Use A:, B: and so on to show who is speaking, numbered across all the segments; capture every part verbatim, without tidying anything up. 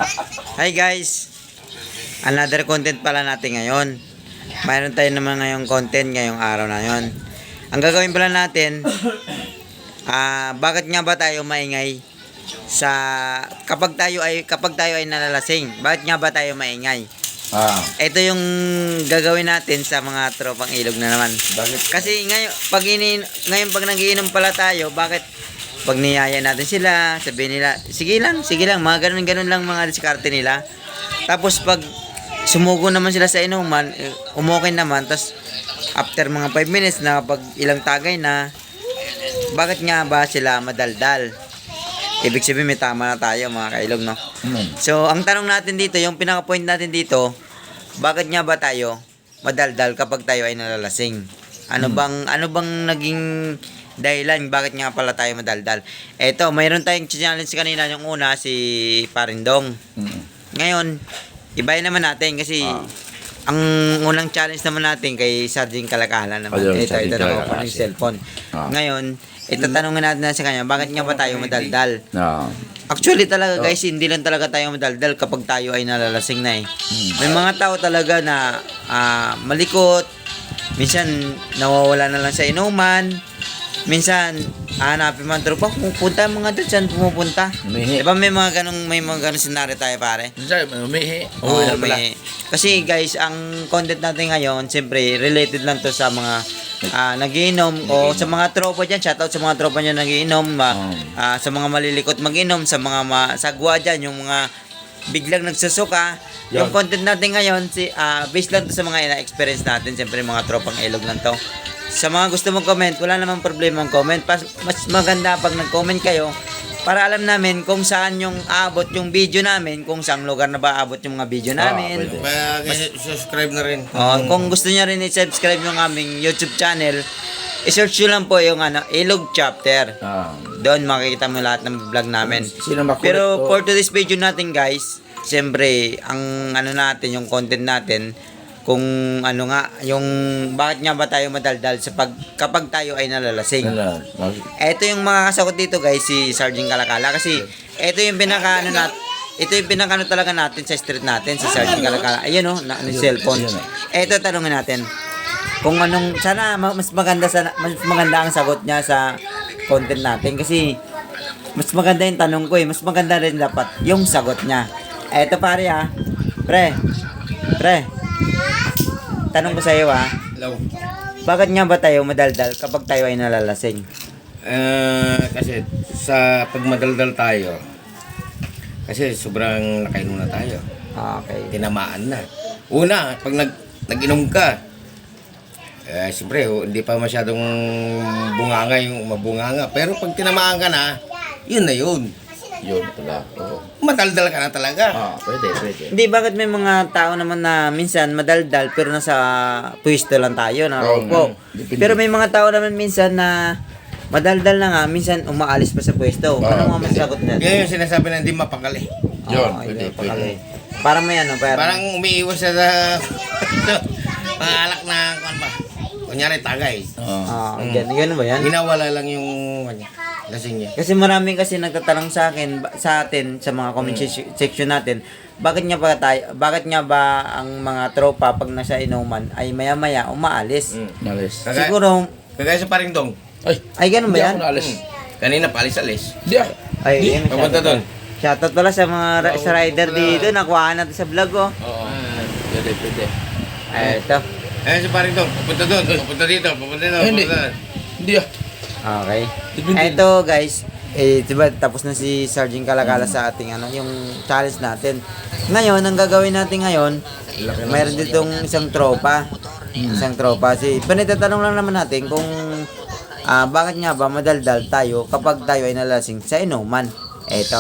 A: Hi guys, another content pala natin ngayon. Mayroon tayo naman ngayong content ngayong araw na yon. Ang gagawin pala natin, ah, bakit nga ba tayo maingay sa kapag tayo ay kapag tayo ay nalalasing? Bakit nga ba tayo maingay?
B: Ah,
A: Ito yung gagawin natin sa mga tropang ilog na naman.
B: bakit?
A: Kasi ngayon pag ini ngayon pag nagiinom pala tayo, bakit pag niyaya natin sila, sabihin nila, sige lang, sige lang, mga ganun-ganun lang mga diskarte nila. Tapos pag sumugo naman sila sa inuman, eh, umokay naman, tapos after mga five minutes na pag ilang tagay na, bakit nga ba sila madaldal? Ibig sabihin may tama na tayo mga kailog, no?
B: Hmm.
A: So, ang tanong natin dito, yung pinaka-point natin dito, bakit nga ba tayo madaldal kapag tayo ay nalalasing? Ano
B: Hmm.
A: bang ano bang naging dahilan bakit nga pala tayo madaldal? Eto, mayroon tayong challenge kanina, yung una si Parindong.
B: Hmm.
A: Ngayon, ibahin naman natin kasi
B: Ah.
A: ang unang challenge naman natin kay Sergeant Kalakala naman.
B: Ayun,
A: ito, ito
B: Sergeant
A: naman
B: Kalakala.
A: po yung cellphone.
B: Ah.
A: Ngayon, itatanungin natin na sa kanya, bakit nga ba tayo madaldal?
B: Ah.
A: Actually talaga guys, hindi lang talaga tayo madaldal kapag tayo ay nalalasing na eh. May mga tao talaga na ah, malikot, minsan nawawala na lang sa inuman, minsan hanapin man tropa, pupunta mga doon, saan pumupunta?
B: Umihi.
A: Diba may mga ganong, may mga ganong senaryo tayo pare?
B: Minsan, may umihi.
A: Oo,
B: yan pala.
A: may- Kasi guys, ang content natin ngayon, siyempre, related lang to sa mga ah, nagiinom o sa mga tropa dyan. Shoutout sa mga tropa dyan nagiinom. ah,
B: Oh.
A: ah, sa mga malilikot maginom, sa mga masagwa dyan, yung mga biglang nagsusuka. Yung
B: Yan.
A: content natin ngayon, si, ah, based lang to sa mga ina-experience natin. Siyempre, mga tropang ilog lang to. Sa mga gusto mong comment, wala namang problema ang comment. Pas, mas maganda pag nag-comment kayo para alam namin kung saan yung aabot yung video namin, kung saang lugar na ba aabot yung mga video namin.
B: Ah, pwede.
C: subscribe na rin.
A: Oh, kung gusto niyo rin i-subscribe yung aming YouTube channel, i-search nyo lang po yung ano, Ilog Chapter.
B: Ah.
A: Doon makikita mo lahat ng vlog namin.
B: Sino makulit?
A: Pero
B: Oh.
A: for today's video natin guys, siyempre, ang ano natin, yung content natin, kung ano nga, yung bakit nga ba tayo madaldal sa pag, kapag tayo ay nalalasing.
B: Wala. Mag-
A: Ito yung mga kasagot dito guys, si Sergeant Kalakala. Kasi ito yung pinaka ano nat, ito yung pinaka ano talaga natin sa street natin, si Sergeant Kalakala. Ayun oh, na, yung cellphone. Ito tanungin natin. Kung anong, sana ma- mas maganda sana, mas maganda ang sagot niya sa content natin. Kasi mas maganda yung tanong ko eh. Mas maganda rin dapat yung sagot niya. Ito pare ah. Pre. Pre. Tanong ko sa iyo ah.
C: Hello.
A: Bakit nga ba tayo madaldal kapag tayo ay nalalasing?
C: Eh, kasi sa pagmadaldal tayo, kasi sobrang nakainom na tayo.
A: Okay.
C: Tinamaan na. Una, pag nag, nag-inom ka, eh, siyempre, oh, hindi pa masyadong bunganga yung mabunganga. Pero pag tinamaan ka na, yun na yun.
B: Yun pala. Oo.
C: Madaldal ka na talaga.
B: Ah, pwede, pwede.
A: Hindi, bakit may mga tao naman na minsan madaldal pero nasa pwesto lang tayo, nakaupo.
B: Oo, depende.
A: Pero may mga tao naman minsan na madaldal na nga, minsan umaalis pa sa pwesto.
B: Oo,
A: Ano mga
B: pwede.
A: masagot na?
C: Yan yung sinasabi na hindi mapakali.
B: Yun,
A: Oo,
B: pwede,
A: yun,
B: pwede.
A: pakali. Parang may ano, parang,
C: Parang umiiwas siya sa pangalak na, kung ba? Kunyari, tagay.
B: Ah.
A: ah, ganun, ganun ba yan?
C: Ginawala lang yung kanya, lasing niya.
A: Kasi maraming kasi nagtatanong sa akin, ba- sa atin, sa mga comment se- section natin, bakit nga ba tayo, bakit nga ba ang mga tropa pag nasa inuman ay maya-maya umaalis?
C: Mm.
B: Nalis.
C: Kagaya,
A: Siguro,
C: kagaya sa Parindong.
B: Ay,
A: ay ganun ba
B: hindi
A: yan?
B: ako nalis.
C: Mm. Kanina, palis-alis.
B: Hindi ah.
A: Ay,
B: Di,
A: yun,
C: papunta
A: shoutout.
C: doon.
A: Shoutout pala sa mga ra- sa rider dito, nakuha natin sa vlog oh.
B: Oo. Pwede, pwede.
A: Ay, ito.
C: Eh, sa Parindong, papunta doon, papunta dito, papunta doon,
B: Ay, hindi.
C: papunta doon.
B: Hindi ah.
A: Okay.
B: Depende.
A: Ito guys, eh, diba, tapos na si Sergeant Kalakala sa ating ano, yung challenge natin. Ngayon, ang gagawin natin ngayon, mayroon ditong isang tropa. Isang tropa. Si, panitatanong lang naman natin kung ah, bakit nga ba madaldal tayo kapag tayo ay nalasing sa inuman. Eto.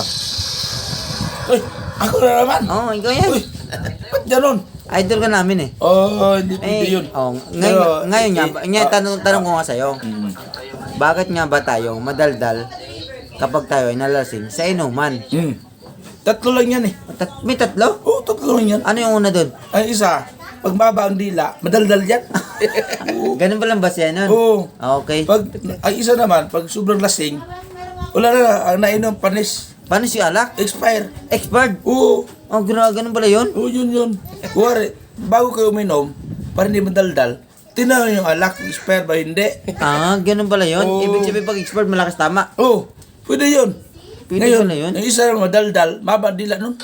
B: Uy, ako na naman.
A: Oh, ikaw yan.
B: Uy, ba't ganun?
A: Idol ka namin eh.
B: Oh, hindi pwede
A: Eh,
B: yun.
A: oh, ngayon,
B: Pero,
A: ngayon nga,
B: eh,
A: ngayon,
B: ah,
A: tanong, tanong ko nga sa'yo,
B: Mm.
A: bakit nga ba tayo madaldal kapag tayo ay nalasing sa inuman?
B: Mm. Tatlo lang yan eh.
A: Tat- may tatlo?
B: Oo, tatlo lang yan.
A: Ano yung una doon?
B: Ang isa, pag maba ang dila, madaldal yan.
A: Ganun ba lang ba siya nun?
B: Oo.
A: Ah, okay.
B: Pag, ang isa naman, pag sobrang lasing, wala na, ang nainom, panis.
A: Paano si alak?
B: Expire.
A: Expired.
B: Oo.
A: Oh, gra- ganun pala yun?
B: Oo, yun yun. Kuwari, bago kayo uminom, para hindi madaldal, tinaw yung alak, expire ba hindi?
A: Ah, ganun pala yun?
B: Oo.
A: Ibig sabihin pag expired, malakas tama.
B: Oo, pwede yun.
A: Pwede
B: Ngayon,
A: pala yun?
B: yung isa lang madaldal, mabadila nun.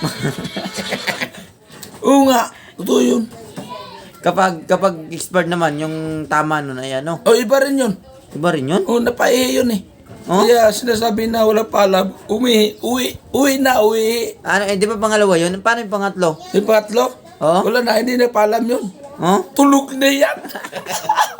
B: Oo nga, totoo yun.
A: Kapag kapag expired naman, yung tama nun ay ano?
B: O, iba rin yun.
A: Iba rin yun?
B: Oo, napaihi yun eh.
A: Oh?
B: Kaya sinasabi na wala pala, umihi, uwi, uwi na, uwi.
A: Ano, eh, di ba pangalawa yun? Paano yung pangatlo?
B: Yung pangatlo,
A: Oh?
B: wala na, hindi na palam yun.
A: Oh?
B: Tulog na yan.